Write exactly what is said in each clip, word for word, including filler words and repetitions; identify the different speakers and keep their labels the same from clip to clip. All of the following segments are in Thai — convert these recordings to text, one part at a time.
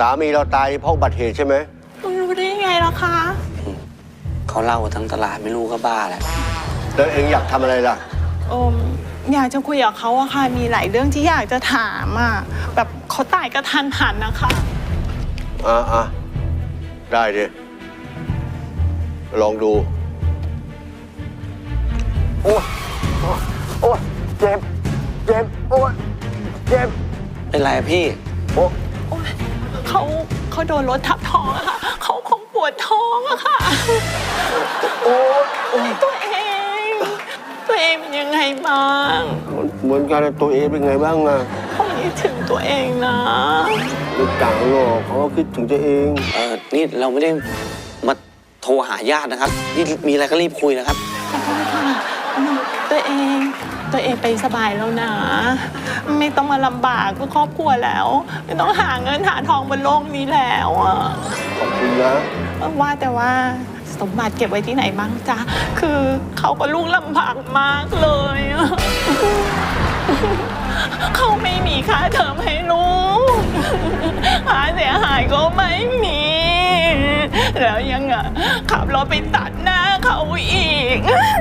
Speaker 1: สามีเราตายเพราะอุบัติเหตุใช่ไหม
Speaker 2: รู้ได้ไงล่ะคะ
Speaker 3: เขาเล่าทั้งตลาดไม่รู้ก็บ้าแหละ
Speaker 1: แล้วเองอยากทำอะไรล่ะ
Speaker 2: อมอยากจะคุยกับเขาอะค่ะมีหลายเรื่องที่อยากจะถามอะแบบเขาตายกระทันหันนะคะ
Speaker 1: อ่าอ่ะได้ดิลองดูโอ้โอ้เจ็บเจ็บโอ้เจ็บ
Speaker 3: เป็นไรพี่
Speaker 1: โอ้
Speaker 2: เขาเขาโดนรถทับท้องอะค่ะเขาคงปวดท้องอะค่ะ
Speaker 1: โอ้
Speaker 2: ตัวเองตัวเองเป็นยังไงบ้าง
Speaker 1: เหมือนกันตัวเองเป็นไงบ้างอะ
Speaker 2: เขาคิดถึงตัวเองนะ
Speaker 1: ไม่ต่างหรอกเขาคิดถึงตัวเอง
Speaker 3: เออนี่เราไม่ได้มาโทรหาญาตินะครับนี่มีอะไรก็รีบคุยนะครับ
Speaker 2: ขอโทษค่ะตัวเองตัวเองไปสบายแล้วนะไม่ต้องมาลำบากเพื่อครอบครัวแล้วไม่ต้องหาเงินหาทองบนโลกนี้แล้วอ่ะ
Speaker 1: ขอบคุณนะ
Speaker 2: ว่าแต่ว่าสมบัติเก็บไว้ที่ไหนบ้างจ๊ะคือเขาก็ลูกลำบากมากเลยเขาไม่มีค่าเทอมให้ลูกหาเสียหายก็ไม่มีแล้วยังอ่ะขับรถไปตัดหน้าเขาอีก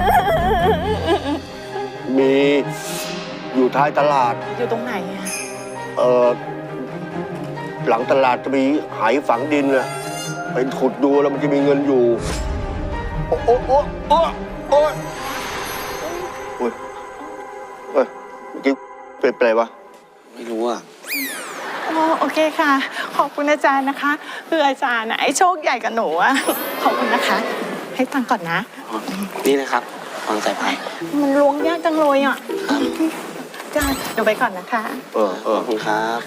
Speaker 1: มีอยู่ท้ายตลาด
Speaker 2: อยู่ตรงไหน
Speaker 1: เออหลังตลาดจะมีหายฝังดินอะไปขุดดูแล้วมันจะมีเงินอยู่โอ้โอ้โอ้โอ้โอ้ยโอ้ยเฮ้ยเมื่อกี้เป็นอะไรวะ
Speaker 3: ไม่รู้อ่ะ
Speaker 2: อ๋อโอเคค่ะขอบคุณอาจารย์นะคะคืออาจารย์นะไอ้โชคใหญ่กับหนูอะขอบคุณนะคะให้ตังค์ก่อนนะ
Speaker 3: นี่นะครับฟังสายไฟ
Speaker 2: มันล้วงยากจังเลยอ่ะจ้าเดี๋ยวไปก่อนนะคะ
Speaker 1: เออเออ
Speaker 3: ขอบคุณครับ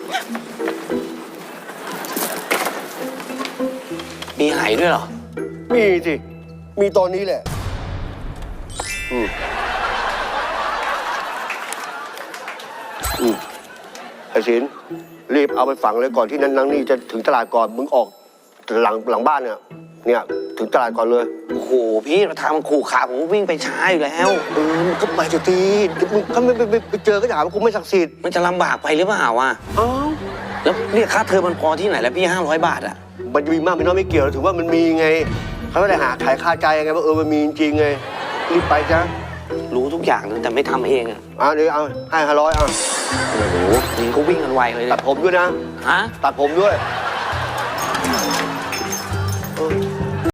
Speaker 3: มีหายด้วยเหรอ
Speaker 1: มีสิมีตอนนี้แหละอืมอืมไอ้ศิลป์รีบเอาไปฝังเลยก่อนที่นั้นนังนี่จะถึงตลาดก่อนมึงออกหลังหลังบ้านเนี่ยเนี่ยถึงตลาดก่อนเลย
Speaker 3: โอ้โหพี่เราทางมันขู่ขาผมวิ่งไปช้าอยู่แล้ว
Speaker 1: เออก็ไปจะตีมึงก็ไม่ไปไปเจอก็ถามว่ากูไม่ศักดิ์สิทธิ์
Speaker 3: มันจะลำบากไปหรือเปล่าวะ
Speaker 1: อ้าว
Speaker 3: แล้วเรียกค่าเทอมมันพอที่ไหนแล้วพี่ห้าร้อยบาทอ่ะ
Speaker 1: มันจะมีมากมีน้อยไม่เกี่ยวถือว่ามันมีไงเขาไม่ได้หาขายคาใจไงว่าเออมันมีจริงไงรีบไปจ้ะ
Speaker 3: รู้ทุกอย่างแต่ไม่ทำเองอ่ะ
Speaker 1: อ่ะเดี๋ยวเอาให้ห้าร้อยอ่ะ
Speaker 3: โอ้โหยิงก็วิ่งกันไวเลย
Speaker 1: ตัดผมด้วยนะ
Speaker 3: ฮะ
Speaker 1: ตัดผมด้วย